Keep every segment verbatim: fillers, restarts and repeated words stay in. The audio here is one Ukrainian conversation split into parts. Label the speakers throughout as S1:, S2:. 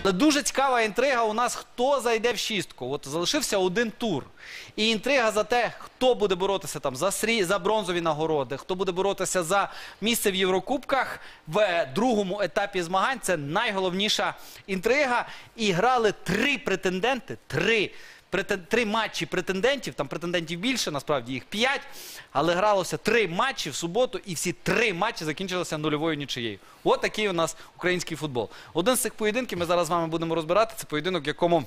S1: Але дуже цікава інтрига у нас, хто зайде в шістку. От залишився один тур. І інтрига за те, хто буде боротися там за, срі... за бронзові нагороди, хто буде боротися за місце в Єврокубках в другому етапі змагань. Це найголовніша інтрига. І грали три претенденти, три Три матчі претендентів, там претендентів більше, насправді їх п'ять, але гралося три матчі в суботу, і всі три матчі закінчилися нульовою нічиєю. От такий у нас український футбол. Один з цих поєдинків ми зараз з вами будемо розбирати. Це поєдинок, в якому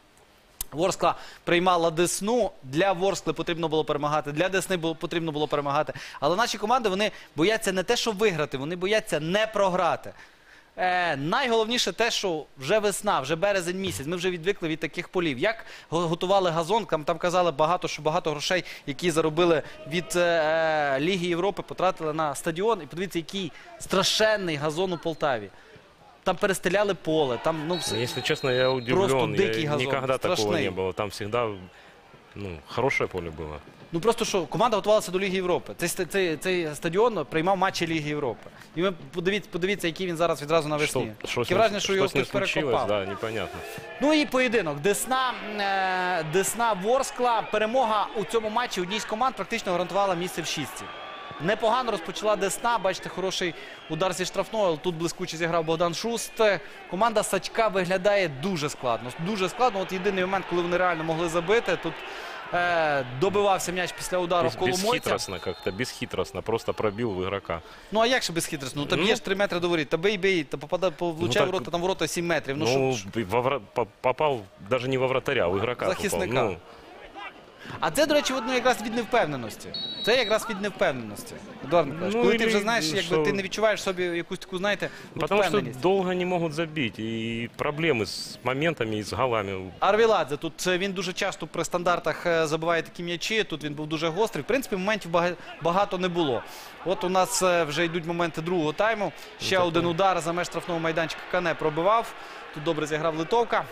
S1: Ворскла приймала Десну. Для Ворскли потрібно було перемагати, для Десни було, потрібно було перемагати. Але наші команди, вони бояться не те, що виграти, вони бояться не програти. Е, найголовніше те, що вже весна, вже березень місяць, ми вже відвикли від таких полів. Як готували газон, там, там казали багато, що багато грошей, які заробили від е, Ліги Європи, потратили на стадіон. І подивіться, який страшенний газон у Полтаві. Там перестеляли поле, там, ну, все.
S2: Если честно, я удивлен.
S1: Просто дикий газон,
S2: Никогда
S1: страшный.
S2: такого не было. Там всегда, ну, хорошее поле было.
S1: Ну просто що, команда готувалася до Ліги Європи. Цей, цей, цей стадіон приймав матчі Ліги Європи. І ви подивіться, подивіться, який він зараз відразу навесні. Таке враження, що його хтось перекопав.
S2: Да, непонятно.
S1: Ну і поєдинок. Десна, е, Десна Ворскла. Перемога у цьому матчі одній з команд практично гарантувала місце в шістці. Непогано розпочала Десна. Бачите, хороший удар зі штрафного. Але тут блискуче зіграв Богдан Шуст. Команда Сачка виглядає дуже складно. Дуже складно. От єдиний момент, коли вони реально могли забити. Тут е, добивався м'яч після удару в Коломойця.
S2: Безхитростно как-то, безхитростно. Просто пробил в игрока.
S1: Ну а як же безхитростно? Ну, та б'єш три метри до воріт. Та бий, бий, та попадає, влучає
S2: Ну,
S1: в ворота, там ворота сім метрів. Ну,
S2: Ну,
S1: що,
S2: во вра- по- попал даже не во вратаря, а в игрока
S1: Захисника.
S2: попал. Ну,
S1: А це, до речі, ну, якраз від невпевненості. Це якраз від невпевненості. Едуард Миколаївич,
S2: Ну,
S1: коли ти
S2: і-
S1: вже знаєш, якби
S2: що-
S1: ти не відчуваєш собі якусь таку, знаєте, от
S2: потому что
S1: впевненість.
S2: долго не могут забить. И проблемы с моментами и с голами.
S1: Арвіладзе, тут е, він дуже часто при стандартах е, забиває такі м'ячі, тут він був дуже гострий. В принципі, моментів бага- багато не було. От у нас е, вже йдуть моменти другого тайму. Ще
S2: Так,
S1: один
S2: ну.
S1: удар за меж штрафного майданчика Кане пробивав. Тут добре зіграв Литовка.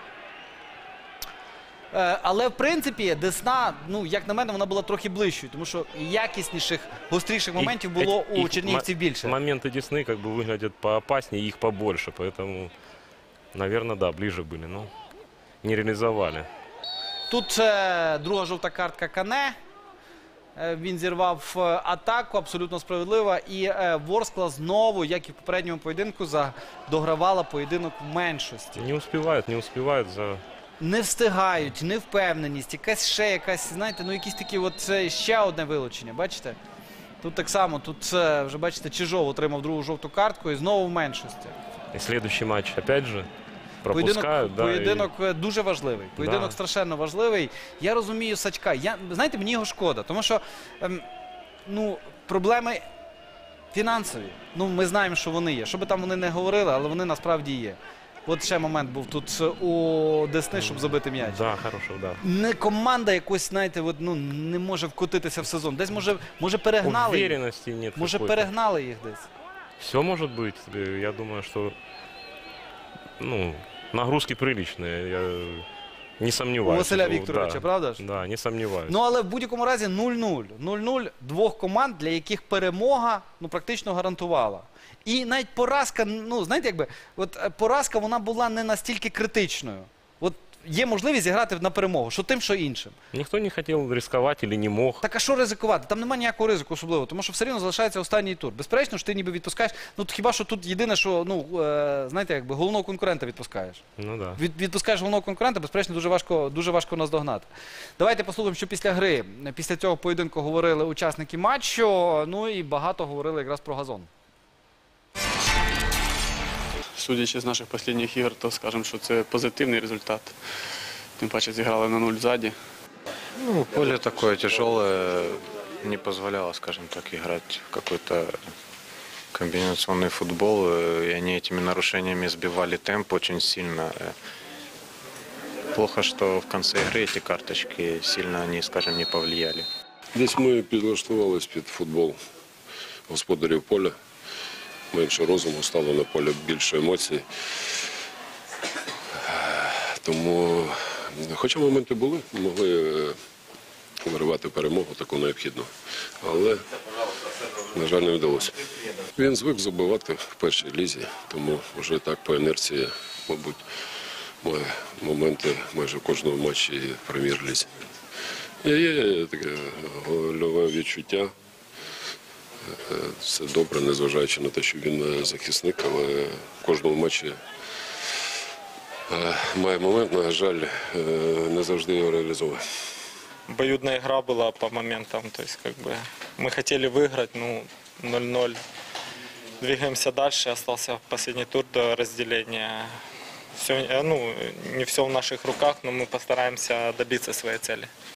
S1: Е, Але, в принципі, Десна, ну, як на мене, вона була трохи ближчою, тому що якісніших, гостріших моментів було
S2: И-
S1: у
S2: их
S1: чернігівців
S2: мо-
S1: більше.
S2: Моменты Десны как бы выглядят поопаснее, их побольше. Поэтому, наверное, да, ближе были. Но не реализовали.
S1: Тут е, друга жовта картка Кане. Е, Він зірвав е, атаку, абсолютно справедлива. І е, Ворскла знову, як і в попередньому поєдинку, за- догравала поєдинок в меншості.
S2: Не успевают, не успевают за...
S1: Не встигають, невпевненість, якась ще якась, знаєте, ну якісь такі, от це ще одне вилучення, бачите? Тут так само, тут е, вже, бачите, Чижов отримав другу жовту картку і знову в меншості.
S2: И следующий матч опять же пропускают.
S1: Поєдинок,
S2: да,
S1: поєдинок е, дуже важливий. Поєдинок
S2: Да.
S1: страшенно важливий. Я розумію Сачка. Я, знаєте, мені його шкода, тому що ем, ну, проблеми фінансові. Ну, ми знаємо, що вони є. Що би там вони не говорили, але вони насправді є. От ще момент був тут у Десни, щоб забити м'яч.
S2: И... Да, хороший удар.
S1: Не команда якось, знаєте, от, ну, не може вкотитися в сезон. Десь, може, може перегнали їх.
S2: Уверенности нет.
S1: Може,
S2: какой-то.
S1: перегнали їх десь.
S2: Все может быть. Э, Я думаю, что ну, нагрузки приличные. Я не сомневаюсь.
S1: У Василя
S2: что-
S1: Вікторовича,
S2: да,
S1: правда ж?
S2: Да, не сомневаюсь.
S1: Ну, але в будь-якому разі нуль-нуль. нуль-нуль двох команд, для яких перемога, ну, практично гарантувала. І навіть поразка, ну, знаєте, якби, от е, поразка, вона була не настільки критичною. От є можливість зіграти на перемогу, що тим, що іншим.
S2: Никто не хотел рисковать или не мог.
S1: Так а що ризикувати? Там немає ніякого ризику особливо, тому що все рівно залишається останній тур. Безперечно, що ти ніби відпускаєш, ну, хіба що тут єдине, що, ну, е, знаєте, якби, головного конкурента відпускаєш.
S2: Ну да.
S1: Від, відпускаєш головного конкурента, безперечно, дуже важко, дуже важко наздогнати. Давайте послухаємо, що після гри, після цього поєдинку говорили учасники матчу, ну і багато говорили якраз про газон.
S3: Судячи з наших останніх ігор, то скажемо, що це позитивний результат. Тим паче зіграли на нуль ззаді.
S4: Ну, поле такое тяжелое, не позволяло, скажем так, играть в какой-то комбинационный футбол. И они этими нарушениями сбивали темп очень сильно. Плохо, что в конце игры эти карточки сильно, они, скажем, не повлияли.
S5: Десь ми підлаштувалися під футбол господарів поля. Менше розуму, стало на полі більше емоцій. Тому, хоча моменти були, могли виривати перемогу таку необхідну. Але, на жаль, не вдалося. Він звик забивати в першій лізі, тому вже так по інерції, мабуть, має моменти майже в кожному матчі в прем'єр-лізі. Є, є таке гольове відчуття. Це добре, незважаючи на те, що він захисник, але в кожному матчі е, має момент, на жаль, е, не завжди його реалізовує.
S6: Обоюдная игра была по моментам, то есть как бы мы хотели выиграть, ну ноль-ноль. Двигаемся дальше, остался последний тур до разделения. Все, ну, не все в наших руках, но мы постараемся добиться своей цели.